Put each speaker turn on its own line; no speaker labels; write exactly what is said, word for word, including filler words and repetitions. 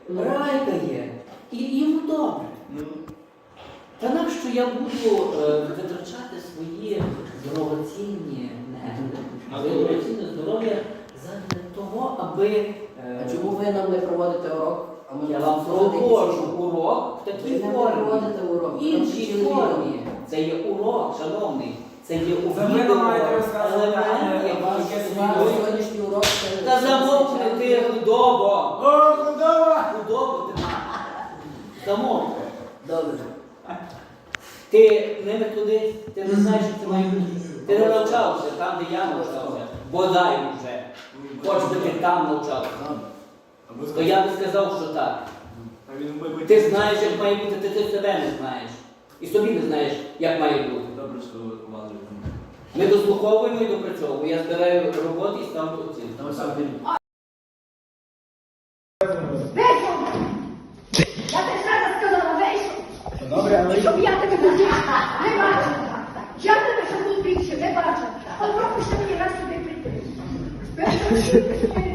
райкає, і йому добре. Та нащо я буду е, витрачати свої дорогоцінні нерви, дорогоцінне здоров'я заради того, аби... Е,
А чому ви нам не проводите урок? А ми
я вам проводжу урок в такій
ви
формі.
не проводите урок.
В іншій формі. Це є урок, шановний. Це є у
Це ви
відео
нам маєте розказувати,
елемент,
а
який
Ваш
Яке
ваш сьогоднішній урок це...
Та замовкни ти, худобо!
О, худоба!
Худобо ти! Замовкни.
Добре.
Ти не методист, ти не знаєш, що це має бути. Ти не навчався там, де я навчався. Бодай вже. Хоч би ти там навчався. То я би сказав, що так. Ти знаєш, як має бути, ти, ти себе не знаєш. І собі не знаєш, як має бути.
Добре, що ви командуєте.
Ми дослуховуємо і допрацьовуємо. Я збираю роботи і ставлю оцінку.
Вийшов! Я тобі зараз сказала, вийшов!
Добре, але...
І щоб я тебе тут не бачила. Я тебе ще тут більше не бачила. От пропусти мені раз сюди прийти.